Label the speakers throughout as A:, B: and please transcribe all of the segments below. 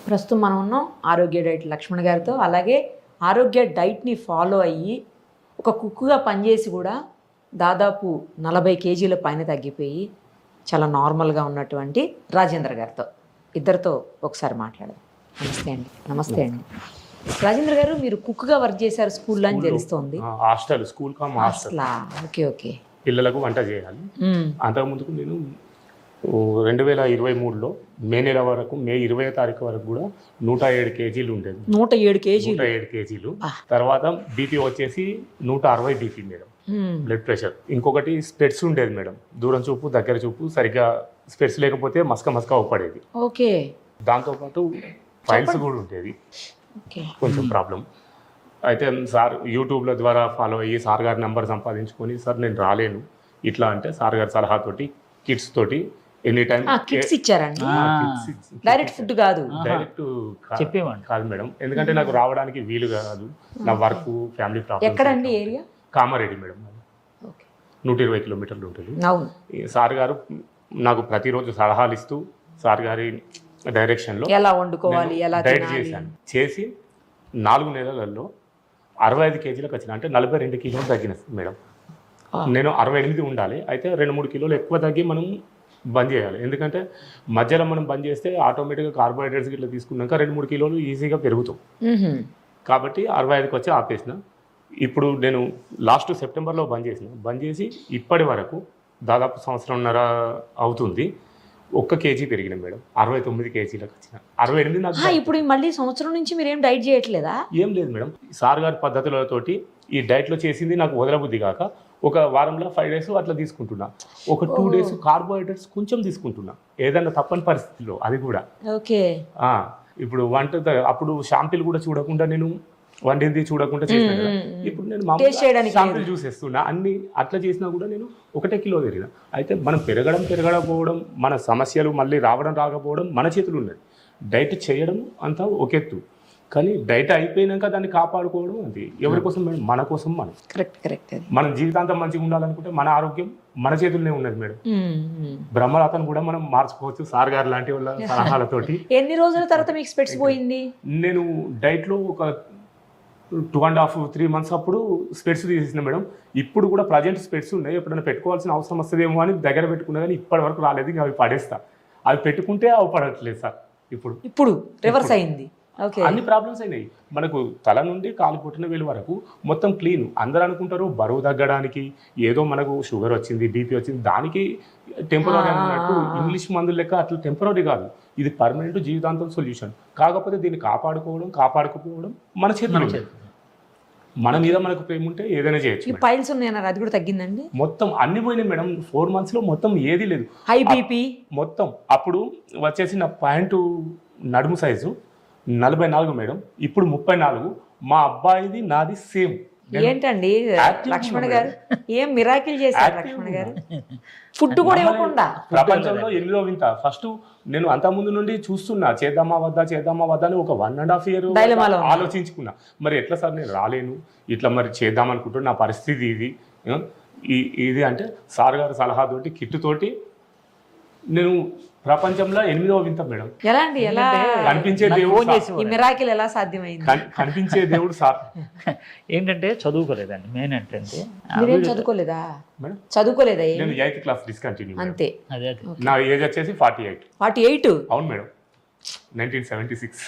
A: ప్రస్తుతం మనం ఉన్నాం ఆరోగ్య డైట్ లక్ష్మణ్ గారితో. అలాగే ఆరోగ్య డైట్ని ఫాలో అయ్యి ఒక కుక్కుగా పనిచేసి కూడా దాదాపు 40 కేజీల పైన తగ్గిపోయి చాలా నార్మల్గా ఉన్నటువంటి రాజేంద్ర గారితో, ఇద్దరితో ఒకసారి మాట్లాడదాం. నమస్తే అండి. నమస్తే అండి రాజేంద్ర గారు. మీరు కుక్గా వర్క్ చేశారు స్కూల్లో అని తెలుస్తోంది.
B: Hostel, school hostel.
A: Okay okay.
B: పిల్లలకు వంట చేయాలి. అంతకుముందుకు నేను 2023లో మే నెల వరకు, మే 20వ తారీఖు వరకు కూడా 107 కేజీలు ఉండేది. 107 కేజీలు. తర్వాత బీపీ వచ్చేసి 160 బీపీ మేడం, బ్లడ్ ప్రెషర్. ఇంకొకటి స్పెట్స్ ఉండేది మేడం, దూరం చూపు దగ్గర చూపు సరిగ్గా స్పెట్స్ లేకపోతే మస్క అవుపడేది.
A: ఓకే.
B: దాంతోపాటు ఫైల్స్ కూడా ఉండేది, కొంచెం ప్రాబ్లం. అయితే సార్ యూట్యూబ్ల ద్వారా ఫాలో అయ్యి సార్ గారి నెంబర్ సంపాదించుకొని, సార్ నేను రాలేను ఇట్లా అంటే సార్ గారి సలహాతోటి కిడ్స్ తోటి ఎనీ టైం
A: కిట్స్ ఇచ్చారండి. డైరెక్ట్ ఫుడ్ కాదు,
B: డైరెక్ట్ చెప్పేవాడిని కాదు మేడం, ఎందుకంటే నాకు రావడానికి వీలు కాదు, నా వర్క్ ఫ్యామిలీ ప్రాబ్లమ్.
A: ఎక్కడండి ఏరియా?
B: కామారెడ్డి మేడం, 120 కిలోమీటర్లు ఉంటుంది. సార్ గారు నాకు ప్రతిరోజు సలహాలు ఇస్తూ సార్ గారి డైరెక్షన్లో
A: ఎలా వండుకోవాలి, ఎలా
B: డైట్ చేశాను. చేసి 4 నెలలలో 65 కేజీలకు వచ్చిన, అంటే 42 కిలోలు తగ్గిన మేడం. నేను 68 ఉండాలి, అయితే 2-3 కిలోలు ఎక్కువ తగ్గి మనం బంద్ చేయాలి. ఎందుకంటే మధ్యలో మనం బంద్ చేస్తే ఆటోమేటిక్గా కార్బోహైడ్రేట్స్ ఇట్లా తీసుకున్నాక 2-3 కిలోలు ఈజీగా పెరుగుతాం. కాబట్టి 65కి వచ్చి ఆపేసిన. ఇప్పుడు నేను లాస్ట్ సెప్టెంబర్లో బంద్ చేసి ఇప్పటి వరకు దాదాపు 1.5 సంవత్సరం అవుతుంది. 1 కేజీ పెరిగిన మేడం, 69 కేజీలకు వచ్చిన. 68 నాకు.
A: ఇప్పుడు మళ్ళీ సంవత్సరం నుంచి మీరు ఏం డైట్ చేయట్లేదా?
B: ఏం లేదు మేడం, సార్ గారి పద్ధతులతోటి ఈ డైట్లో చేసింది నాకు వదలబుద్ధి కాక ఒక వారంలో 5 డేస్ అట్లా తీసుకుంటున్నా. ఒక 2 డేస్ కార్బోహైడ్రేట్స్ కొంచెం తీసుకుంటున్నా, ఏదన్నా తప్పని పరిస్థితిలో. అది కూడా
A: ఓకే.
B: ఇప్పుడు అప్పుడు షాంపిల్ కూడా చూడకుండా, నేను వండింది చూడకుండా చేసిన కదా. ఇప్పుడు నేను షాంపిల్ చూసేస్తున్నా, అన్ని అట్లా చేసినా కూడా నేను 1 కిలో పెరిగిన. అయితే మనం పెరగకపోవడం, మన సమస్యలు మళ్ళీ రాకపోవడం మన చేతులు ఉన్నది. డైట్ చేయడం అంతా ఒక ఎత్తు, కానీ డైట్ అయిపోయినాక దాన్ని కాపాడుకోవడం అది ఎవరి కోసం మేడం? మన కోసం. మనం
A: కరెక్ట్.
B: మనం జీవితాంతం మంచిగా ఉండాలనుకుంటే మన ఆరోగ్యం మన చేతుల్లోనే ఉన్నది మేడం. బ్రహ్మరాతను కూడా మనం మార్చుకోవచ్చు సార్ గారు లాంటి వాళ్ళ సలహాలతోటి.
A: ఎన్ని రోజుల తర్వాత మీకు స్పెట్స్ పోయింది?
B: నేను డైట్లో ఒక 2.5-3 మంత్స్ అప్పుడు స్పెట్స్ తీసేసిన మేడం. ఇప్పుడు కూడా ప్రజెంట్ స్పెట్స్ ఉన్నాయి, ఎప్పుడైనా పెట్టుకోవాల్సిన అవసరం వస్తుందేమో అని దగ్గర పెట్టుకున్నా, కానీ ఇప్పటి వరకు రాలేదు. ఇంకా అవి పడేస్తా. అవి పెట్టుకుంటే అవి పడట్లేదు సార్. ఇప్పుడు
A: రివర్స్ అయింది.
B: అన్ని ప్రాబ్లమ్స్ అయినాయి మనకు. తల నుండి కాలు పుట్టిన వేలు వరకు మొత్తం క్లీన్. అందరూ అనుకుంటారు బరువు తగ్గడానికి ఏదో మనకు షుగర్ వచ్చింది, బీపీ వచ్చింది, దానికి టెంపరీ అన్నట్టు ఇంగ్లీష్ మందులు లెక్క అట్లా టెంపరీ కాదు. ఇది పర్మనెంట్ జీవితాంతం సొల్యూషన్. కాకపోతే దీన్ని కాపాడుకోవడం మన చేతిలో. మన మీద మనకు ప్రేమ ఉంటే ఏదైనా చేయొచ్చు.
A: పైల్స్ ఉన్నాయన్నారు, అది కూడా తగ్గిందండి?
B: మొత్తం అన్ని పోయినాయి మేడం. 4 మంత్స్లో మొత్తం ఏది లేదు.
A: హై బీపీ మొత్తం.
B: అప్పుడు వచ్చేసి నా ప్యాంటు నడుము సైజు 44 మేడం, ఇప్పుడు 34. మా అబ్బాయిది నాది సేమ్.
A: ఏంటండి లక్ష్మణ్ గారు, ఏం మిరాకిల్ చేశారు లక్ష్మణ్ గారు? ఫుడ్ కూడా ఇవ్వకుండా.
B: ప్రపంచంలో 8వ వింత. ఫస్ట్ నేను అంతకుముందు నుండి చూస్తున్నా, చేద్దామా వద్దా అని ఒక 1.5 year ఆలోచించుకున్నా. మరి ఎట్లా సార్ నేను రాలేను, ఇట్లా మరి చేద్దాం అనుకుంటున్నా, నా పరిస్థితి ఇది అంటే సార్ గారి సలహాతోటి కిట్టుతోటి నేను ప్రపంచంలో 8వ వింత మేడం.
A: ఎలా
B: కనిపించే దేవుడు,
A: ఈ మిరాకిల్ ఎలా సాధ్యమైంది?
B: కనిపించే దేవుడు సార్.
C: ఏంటంటే చదువుకోలేదండి. మెయిన్ ఏంటంటే
A: చదువుకోలేదా? నేను
B: 8th క్లాస్ డిస్కంటిన్యూ
A: అంతే.
B: నా ఏజ్ వచ్చేసి 48. అవును మేడం, 1976.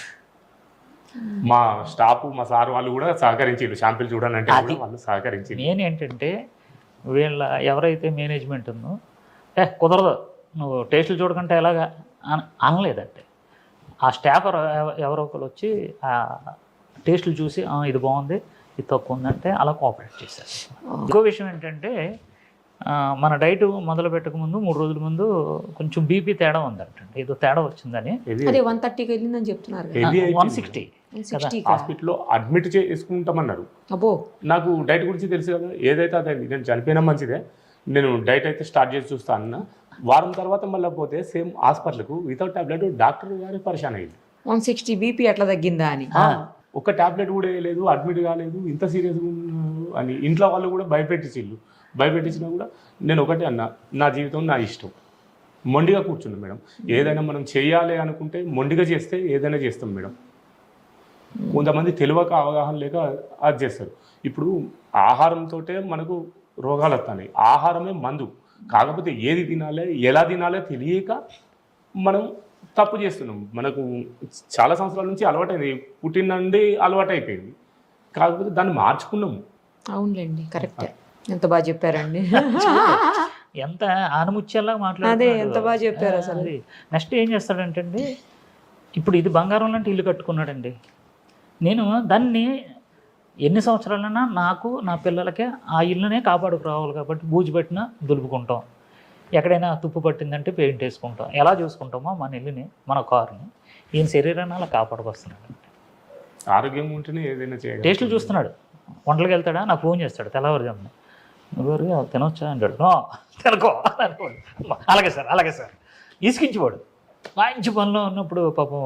B: మా స్టాఫ్, మా సార్ వాళ్ళు కూడా సహకరించారు. షాంపిల్ చూడాలంటే వాళ్ళు సహకరించారు.
C: మెయిన్ ఏంటంటే వీళ్ళ ఎవరైతే మేనేజ్మెంట్ ఉందో, కుదరదు నువ్వు టేస్టులు చూడకంటే ఎలాగా అనలేదంటే, ఆ స్టాఫ్ ఎవరో ఒకరు వచ్చి ఆ టేస్టులు చూసి ఇది బాగుంది, ఇది తక్కువ ఉందంటే అలా కోఆపరేట్ చేశారు. ఇంకో విషయం ఏంటంటే, మన డైట్ మొదలు పెట్టక ముందు 3 రోజుల ముందు కొంచెం బీపీ తేడా ఉందంటండి, ఏదో తేడా వచ్చిందని.
A: 130కి వెళ్ళిందని చెప్తున్నారు.
C: 160
B: హాస్పిటల్లో అడ్మిట్ చేసుకుంటామన్నారు. నాకు డైట్ గురించి తెలుసు కదా, ఏదైతే అదే. నేను చనిపోయినా మంచిదే, నేను డైట్ అయితే స్టార్ట్ చేసి చూస్తా అన్న. వారం తర్వాత మళ్ళీ పోతే సేమ్ హాస్పిటల్కు వితౌట్ టాబ్లెట్ డాక్టర్ గారు పరిశాన్ అయింది.
A: 160 బీపీ ఎట్లా తగ్గిందా అని.
B: ఒక టాబ్లెట్ కూడా వేయలేదు, అడ్మిట్ కాలేదు, ఇంత సీరియస్గా అని ఇంట్లో వాళ్ళు కూడా భయపెట్టించినా కూడా నేను ఒకటే అన్నా, నా జీవితం నా ఇష్టం, మొండిగా కూర్చున్నాం మేడం. ఏదైనా మనం చేయాలి అనుకుంటే మొండిగా చేస్తే ఏదైనా చేస్తాం మేడం. కొంతమంది తెలియక అవగాహన లేక అది చేస్తారు. ఇప్పుడు ఆహారంతో మనకు రోగాలు వస్తున్నాయి. ఆహారమే మందు. కాకపోతే ఏది తినాలి ఎలా తినాలో తెలియక మనం తప్పు చేస్తున్నాం. మనకు చాలా సంవత్సరాల నుంచి అలవాటైంది, పుట్టిన నుండి అలవాటు అయిపోయింది. కాకపోతే దాన్ని మార్చుకున్నాము.
A: అవునులేండి, కరెక్ట్. ఎంత బాగా చెప్పారండి.
C: ఎంత ఆనముత్యాలా
A: అదే
C: మాట్లాడుతున్నాడు.
A: ఎంత బాగా చెప్పారు అసలు.
C: నెక్స్ట్ ఏం చేస్తాడంటే అండి, ఇప్పుడు ఇది బంగారం లాంటి ఇల్లు కట్టుకున్నాడండి. నేను దాన్ని ఎన్ని సంవత్సరాలైనా నాకు నా పిల్లలకే ఆ ఇల్లునే కాపాడుకురావాలి కాబట్టి బూజు పెట్టినా దులుపుకుంటాం, ఎక్కడైనా తుప్పు పట్టిందంటే పెయింట్ వేసుకుంటాం. ఎలా చూసుకుంటామో మన ఇల్లుని మన కారుని ఈయన శరీరాన్ని అలా కాపాడుకొస్తున్నాడు.
B: ఆరోగ్యంగా ఉంటేనే ఏదైనా చేయాలి.
C: టేస్టులు చూస్తున్నాడు. వంటలకు వెళ్తాడా, నాకు ఫోన్ చేస్తాడు తెల్లవారుజామున, నువ్వు తినొచ్చా అంటాడు. తినకో అలాగే సార్ అలాగే సార్ ఇసుకించివాడు. మంచి పనిలో ఉన్నప్పుడు పాపం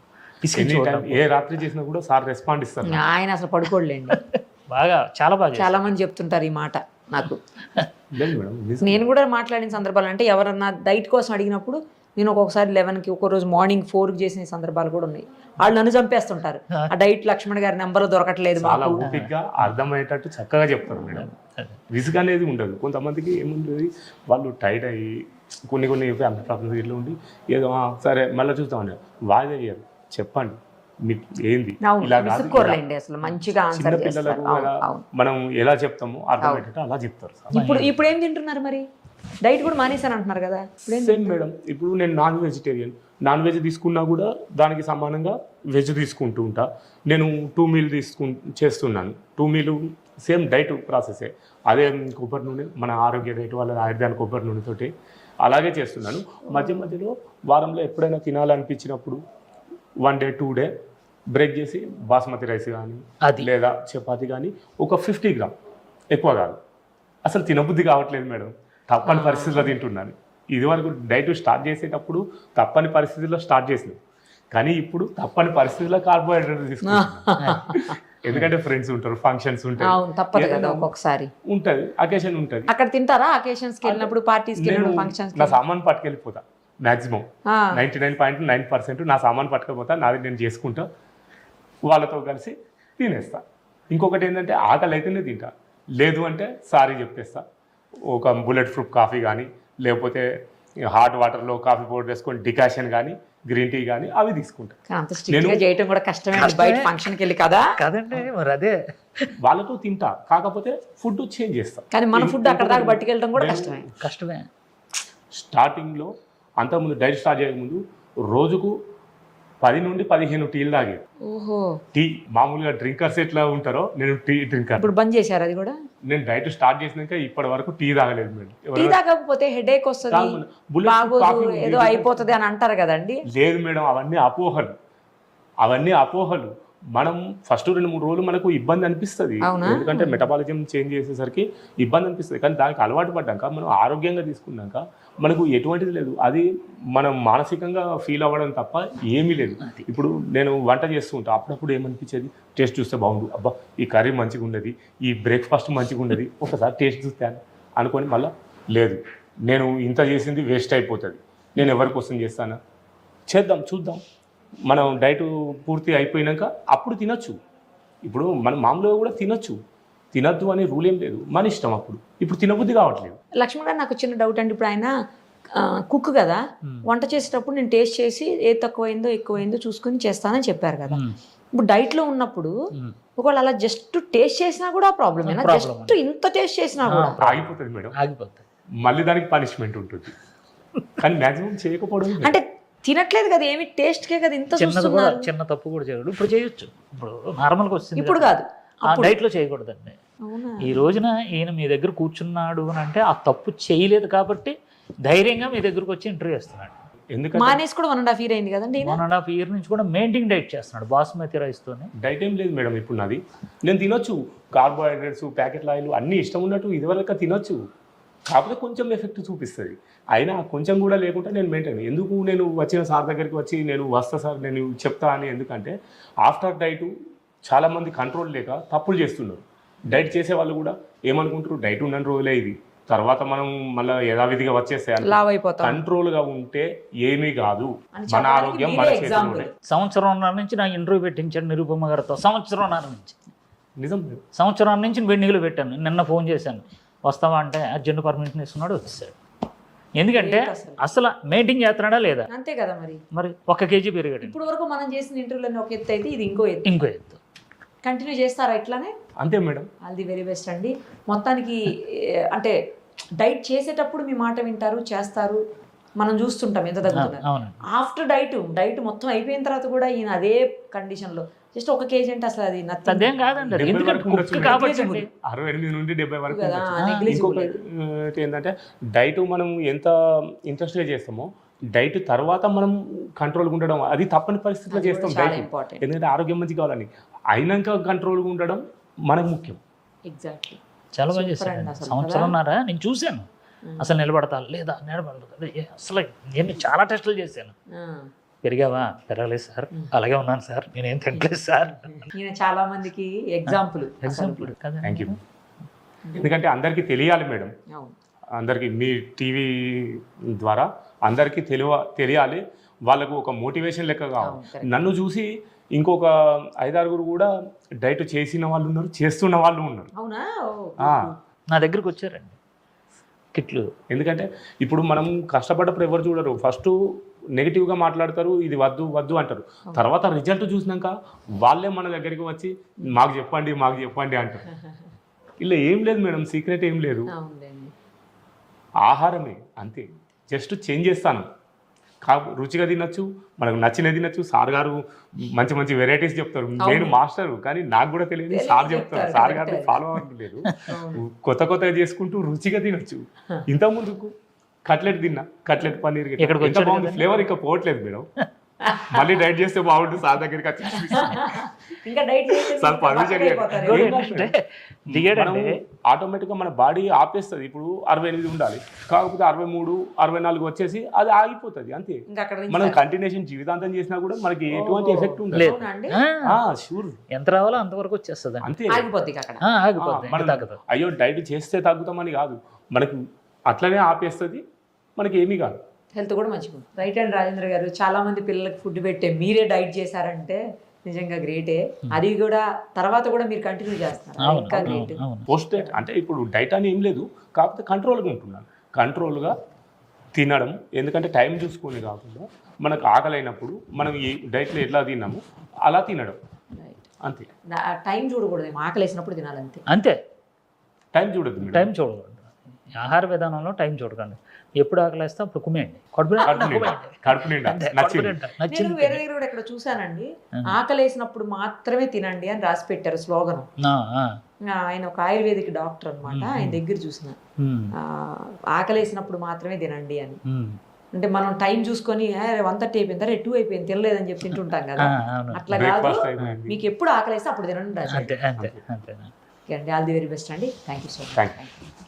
B: ఏ రాత్రి చేసినా కూడా సార్ రెస్పాండ్ ఇస్తారు.
A: ఆయన అసలు పడుకోలేండి.
C: బాగా చాలా బాగా
A: చాలా మంది చెప్తుంటారు ఈ మాట నాకు.
B: లేదు మేడం,
A: నేను కూడా మాట్లాడిన సందర్భాలు అంటే ఎవరన్నా డైట్ కోసం అడిగినప్పుడు నేను ఒక్కొక్కసారి 11కి, ఒక్కరోజు మార్నింగ్ 4కి చేసిన సందర్భాలు కూడా ఉన్నాయి. వాళ్ళు నన్ను చంపేస్తుంటారు, ఆ డైట్ లక్ష్మణ్ గారి నెంబర్ దొరకట్లేదు
B: చాలా
A: మాకు.
B: ఓపికగా అర్థమయ్యేటట్టు చక్కగా చెప్తారు మేడం. విసుగు అనేది ఉండదు. కొంతమందికి ఏముంటుంది, వాళ్ళు టైట్ అయ్యి కొన్ని ఫ్యామిలీ ప్రాబ్లమ్స్ ఇట్లా ఉండి ఏదో సరే మళ్ళీ చూస్తామండి, వాయిదా అయ్యారు. చెప్పండి మీకు ఏంది, ఇలా కాదు.
A: విసుక్కోర్లేండి, అసలు మంచిగా
B: చిన్న
A: ఆన్సర్
B: పిల్లలకు
A: చేస్తారు.
B: ఎలా
A: అవును.
B: మనం ఎలా చెప్తామో అర్థమయ్యేటట్టు అలా చెప్తారు సార్.
A: ఇప్పుడు ఏం తింటున్నారు మరి? డైట్ కూడా మానేసాను అంటున్నారు కదా.
B: సేమ్ మేడం, ఇప్పుడు నేను నాన్ వెజిటేరియన్. నాన్ వెజ్ తీసుకున్నా కూడా దానికి సమానంగా వెజ్ తీసుకుంటూ ఉంటా. నేను 2 మీల్ చేస్తున్నాను. 2 మీలు సేమ్ డైట్ ప్రాసెసే. అదే కొబ్బరి నూనె, మన ఆరోగ్య డైట్ వాళ్ళ ఆయుర్వేద కొబ్బరి నూనెతోటి అలాగే చేస్తున్నాను. మధ్యలో వారంలో ఎప్పుడైనా తినాలనిపించినప్పుడు 1 డే 2 డే బ్రేక్ చేసి బాస్మతి రైస్ కానీ లేదా చపాతి కానీ ఒక 50 గ్రామ్, ఎక్కువ కాదు. అసలు తినబుద్ధి కావట్లేదు మేడం, తప్పని పరిస్థితుల్లో తింటున్నాను. ఇదివరకు డైట్ స్టార్ట్ చేసేటప్పుడు తప్పని పరిస్థితుల్లో స్టార్ట్ చేసినాం, కానీ ఇప్పుడు తప్పని పరిస్థితుల్లో కార్బోహైడ్రేట్ తీసుకుంటున్నాను. ఎందుకంటే ఫ్రెండ్స్ ఉంటారు, ఫంక్షన్స్ ఉంటాయి,
A: తప్పదు కదా ఒక్కొక్కసారి
B: ఉంటుంది, అకేషన్ ఉంటుంది.
A: అక్కడ తింటారా? అకేషన్స్కి వెళ్ళినప్పుడు, పార్టీస్కి వెళ్ళినప్పుడు, ఫంక్షన్స్
B: నా సామాన్ పట్టుకెళ్ళిపోతా. మ్యాక్సిమం 99.9% నా సామాన్ పట్టుకపోతా, నాది నేను చేసుకుంటా, వాళ్ళతో కలిసి తినేస్తా. ఇంకొకటి ఏంటంటే ఆకలి అయితేనే తింటా, లేదు అంటే సారీ చెప్పేస్తా. ఒక బుల్లెట్ ప్రూఫ్ కాఫీ కానీ లేకపోతే హాట్ వాటర్లో కాఫీ పౌడర్ వేసుకొని డికాషన్ కానీ గ్రీన్ టీ కానీ అవి తీసుకుంటా.
A: అంత స్ట్రిక్ట్గా చేయటం కూడా కష్టమే బయట ఫంక్షన్కి వెళ్ళి కదా.
C: కదండి మరి అదే
B: వాళ్ళతో తింటా, కాకపోతే ఫుడ్ చేంజ్ చేస్తా.
A: కానీ మన ఫుడ్ అక్కడ దాకా పట్టుకెళ్ళడం కూడా
C: కష్టమే.
B: స్టార్టింగ్లో అంతకుముందు డైట్ స్టార్ట్ చేయకముందు రోజుకు 10 నుండి 15 టీలు తాగేది.
A: ఓహో.
B: టీ మామూలుగా డ్రింకర్స్ ఎట్లా ఉంటారో నేను టీ డ్రింకర్.
A: ఇప్పుడు బంద్ చేశారు అది కూడా?
B: నేను డైట్ స్టార్ట్ చేసినాక ఇప్పటి వరకు టీ తాగలేదు మేడం.
A: టీ తాగకపోతే హెడేక్ వస్తుంది, బాగోదు, ఏదో అయిపోతుంది అని అంటారు కదండి.
B: లేదు మేడం, అవన్నీ అపోహలు. మనం ఫస్ట్ 2-3 రోజులు మనకు ఇబ్బంది అనిపిస్తుంది, ఎందుకంటే మెటబాలిజం చేంజ్ చేసేసరికి ఇబ్బంది అనిపిస్తుంది. కానీ దానికి అలవాటు పడ్డాక మనం ఆరోగ్యంగా తీసుకున్నాక మనకు ఎటువంటిది లేదు. అది మనం మానసికంగా ఫీల్ అవ్వడం తప్ప ఏమీ లేదు. ఇప్పుడు నేను వంట చేస్తూ ఉంటా, అప్పుడప్పుడు ఏమనిపించేది, టేస్ట్ చూస్తే బాగుండు, అబ్బా ఈ కర్రీ మంచిగా ఉండేది, ఈ బ్రేక్ఫాస్ట్ మంచిగా ఉండేది, ఒకసారి టేస్ట్ చూస్తాను అనుకొని మళ్ళీ లేదు నేను ఇంత చేసింది వేస్ట్ అయిపోతుంది, నేను ఎవరి కోసం చేస్తానా, చూద్దాం మనం డైట్ పూర్తి అయిపోయినాక అప్పుడు తినొచ్చు. ఇప్పుడు మనం మామూలుగా కూడా తినొద్దు అనే రూల్ ఏం లేదు, మన ఇష్టం. అప్పుడు ఇప్పుడు తినబుద్ధి కావట్లేదు.
A: లక్ష్మణ్ గారు, నాకు చిన్న డౌట్ అండి. ఇప్పుడు ఆయన కుక్ కదా, వంట చేసేటప్పుడు నేను టేస్ట్ చేసి ఏది తక్కువైందో ఎక్కువైందో చూసుకొని చేస్తానని చెప్పారు కదా. ఇప్పుడు డైట్లో ఉన్నప్పుడు ఒకవేళ అలా జస్ట్ టేస్ట్ చేసినా కూడా ప్రాబ్లమేనా? జస్ట్ ఇంత టేస్ట్ చేసినా కూడా
B: ఆగిపోతుంది మేడం, మళ్ళీ దానికి పనిష్మెంట్ ఉంటుంది. కానీ మ్యాక్సిమం చేయకపోవడం
A: అంటే తినట్లేదు కదా, ఏమి టేస్ట్కే కదా ఇంత
C: చిన్న తప్పు కూడా చేయకూడదు. ఇప్పుడు చేయొచ్చు, ఇప్పుడు నార్మల్గా వస్తుంది,
A: ఇప్పుడు కాదు,
C: డైట్లో చేయకూడదండి. ఈ రోజున ఈయన మీ దగ్గర కూర్చున్నాడు అని అంటే ఆ తప్పు చేయలేదు కాబట్టి ధైర్యంగా మీ దగ్గరకు వచ్చి ఇంటర్వ్యూ చేస్తున్నాడు.
B: ఎందుకంటే
A: మానేసి కూడా 1.5 year అయింది కదండి.
C: 1.5 year నుంచి కూడా మెయింటైన్ డైట్ చేస్తున్నాడు బాస్మతి రైస్తోనే.
B: డైట్ ఏం లేదు మేడం, ఇప్పుడు నాది నేను తినొచ్చు, కార్బోహైడ్రేట్స్ ప్యాకెట్ ఆయిల్ అన్నీ ఇష్టం ఉన్నట్టు ఇదివరకు తినొచ్చు, కాకపోతే కొంచెం ఎఫెక్ట్ చూపిస్తుంది. అయినా కొంచెం కూడా లేకుండా నేను మెయింటైన్. ఎందుకు నేను వచ్చిన సార్ దగ్గరికి వచ్చి నేను వస్తా సార్ నేను చెప్తా అని, ఎందుకంటే ఆఫ్టర్ డైట్ చాలామంది కంట్రోల్ లేక తప్పులు చేస్తున్నారు. డైట్ చేసే వాళ్ళు కూడా ఏమనుకుంటారు, డైట్ ఉన్న రోజులే ఇది, తర్వాత మనం మళ్ళీ యథావిధిగా వచ్చేస్తాయి.
A: లావ్ అయిపోతాం
B: కంట్రోల్గా ఉంటే ఏమీ కాదు,
A: అని
B: మన
A: చెప్పడానికి
B: ఆరోగ్యం
A: మీరే
B: మన
A: example.
B: చేతిలోనే.
C: సంవత్సరంన్నర నుంచి నాకు ఇంటర్వ్యూ పెట్టించాడు నిరుపమ గారితో. సంవత్సరంన్నర నుంచి
B: నిజం.
C: సంవత్సరం నుంచి వెండిగలు పెట్టాను. నిన్న ఫోన్ చేశాను, వస్తావా అంటే అర్జెంట్ పర్మిషన్ ఇస్తున్నాడు, వచ్చేసాడు. ఎందుకంటే అసలు మెయింటైన్ చేస్తున్నాడా లేదా,
A: అంతే కదా మరి.
C: మరి 1 కేజీ పెరిగాడు.
A: ఇప్పుడు వరకు మనం చేసిన ఇంటర్వ్యూలో ఒక ఎత్తు అయితే ఇది ఇంకో ఎత్తు.
C: ఇంకో ఎత్తు.
A: కంటిన్యూ చేస్తారా ఇట్లానే?
B: అంతే madam.
A: All the very best అండి. మొత్తానికి అంటే డైట్ చేసేటప్పుడు మీ మాట వింటారు, చేస్తారు, మనం చూస్తుంటాం ఎంత తగ్గుతున్నారు.
C: అవునండి.
A: ఆఫ్టర్ డైట్ మొత్తం అయిపోయిన తర్వాత కూడా ఈయన అదే కండిషన్లో జస్ట్ 1 కేజీ అంటే అసలు అది
C: అదేం కాదండి, అది
B: 70
C: ఎందుకంటే
B: వరకు
C: కుక్
B: ఉండొచ్చు.
C: కాబట్టి అండి.
B: 68 నుండి 70 వరకు
A: కదా,
B: ఉండొచ్చు.
A: నెగ్లిజిబుల్.
B: ఇంకొకటి ఏంటంటే డైట్ మనం ఎంత ఇంట్రెస్ట్గా చేస్తామో డైట్ తర్వాత మనం కంట్రోల్గా ఉండడం అది తప్పని పరిస్థితిలో
A: అది
B: చేస్తాం
A: కూడా చాలా
B: డైట్.
A: important.
B: ఎందుకంటే ఆరోగ్యం మంచి కావాలని అయినాక కంట్రోల్గా ఉండడం మనకు ముఖ్యం.
A: ఎగ్జాక్ట్లీ.
C: చాలా బాగా
A: Super
C: చేశాడు.
A: అండి అసలు
C: సంవత్సరంన్నర నేను చూశాను, అసలు నిలబడతా లేదా నిలబడతా, అసలు నేను చాలా టెస్టులు చేశాను. పెరిగావా? పెరగలేదు సార్, అలాగే ఉన్నాను సార్, నేనేం తినలేదు సార్.
A: ఈయన చాలా మందికి ఎగ్జాంపుల్.
C: ఎగ్జాంపుల్ కదా.
B: Thank you. ఎందుకంటే అందరికీ తెలియాలి మేడం,
A: అవును.
B: అందరికీ మీ టీవీ ద్వారా అందరికీ తెలియాలి, వాళ్ళకు ఒక మోటివేషన్ లెక్క కావాలి.
A: అవును, correct.
B: నన్ను చూసి ఇంకొక 5-6 కూడా డైట్ చేసిన వాళ్ళు ఉన్నారు, చేస్తున్న వాళ్ళు ఉన్నారు.
A: అవునా?
C: నా దగ్గరికి వచ్చారండి కిట్లు.
B: ఎందుకంటే ఇప్పుడు మనం కష్టపడ్డప్పుడు ఎవరు చూడరు, ఫస్ట్ నెగిటివ్గా మాట్లాడతారు, ఇది వద్దు వద్దు అంటారు. తర్వాత రిజల్ట్ చూసినాక వాళ్ళే మన దగ్గరికి వచ్చి మాకు చెప్పండి అంటారు. ఇలా ఏం లేదు మేడం, సీక్రెట్ ఏం లేదు,
A: అవునండి.
B: ఆహారమే అంతే. జస్ట్ చేంజ్ చేస్తాను, రుచిగా తినచ్చు, మనకు నచ్చినది తినచ్చు. సార్ గారు మంచి మంచి వెరైటీస్ చెప్తారు, నేను మాస్టర్ కానీ నాకు కూడా తెలియదు, సార్ చెప్తారు. సార్ గారిని ఫాలో అవ్వట్లేదు, కొత్తగా చేసుకుంటూ రుచిగా తినొచ్చు. ఇంత ముందుకు కట్లెట్ తిన్నా, కట్లెట్ పన్నీర్ ఫ్లేవర్ ఇంకా పోవట్లేదు మేడం. మళ్ళీ డైట్ చేస్తే బాగుంటుంది, సార్ దగ్గరికి వచ్చి సార్ పర్మిషన్ ఆటోమేటిక్గా మన బాడీ ఆపేస్తుంది. ఇప్పుడు 68 ఉండాలి, కాకపోతే 63, 64 వచ్చేసి అది ఆగిపోతుంది అంతే. మనం కంటిన్యూషన్ జీవితాంతం చేసినా కూడా మనకి ఎటువంటి ఎఫెక్ట్ ఉండదు. షూర్,
C: ఎంత రావాలో అంతవరకు వచ్చేస్తుంది
B: అంతే. అయ్యో డైట్ చేస్తే తగ్గుతామని కాదు, మనకి అట్లనే ఆపేస్తుంది, మనకి ఏమీ కాదు.
A: హెల్త్ కూడా మంచిగా. రైట్ అండ్ రాజేంద్ర గారు, చాలా మంది పిల్లలకు ఫుడ్ పెట్టే మీరే డైట్ చేశారంటే నిజంగా గ్రేటే. అది కూడా తర్వాత కూడా మీరు కంటిన్యూ చేస్తున్నారు, ఇంకా గ్రేట్.
B: పోస్ట్ డైట్ అంటే ఇప్పుడు డైట్ అని ఏం లేదు, కాకపోతే కంట్రోల్గా ఉంటున్నాను, కంట్రోల్గా తినడం. ఎందుకంటే టైం చూసుకొని కాకుండా మనకు ఆకలి అయినప్పుడు మనం ఈ డైట్లో ఎట్లా తిన్నామో అలా తినడం అంతే.
A: టైం చూడకూడదు, ఆకలి వేసినప్పుడు తినాలంతే.
C: అంతే,
B: టైం చూడద్దు,
C: టైం చూడకూడదు. ఆహార విధానంలో టైం చూడకండి, ఎప్పుడు ఆకలిస్తే అప్పుడు కుమేయండి,
B: కడుపు నిండా.
A: నేను వేరే దగ్గర కూడా ఇక్కడ చూసానండి, ఆకలి వేసినప్పుడు మాత్రమే తినండి అని రాసి పెట్టారు స్లోగన్. ఆయన ఒక ఆయుర్వేదిక్ డాక్టర్ అనమాట, ఆయన దగ్గర చూసిన ఆకలి వేసినప్పుడు మాత్రమే తినండి అని. అంటే మనం టైం చూసుకొని 1:30 అయిపోయింది, 2 అయిపోయింది, తినలేదని చెప్పి తింటుంటాం కదా, అట్లా కాదు. మీకు ఎప్పుడు ఆకలి వేస్తే అప్పుడు తినండి.
C: అంతే.
A: ఓకే అండి, ఆల్ ది వెరీ బెస్ట్ అండి. Thank you so much.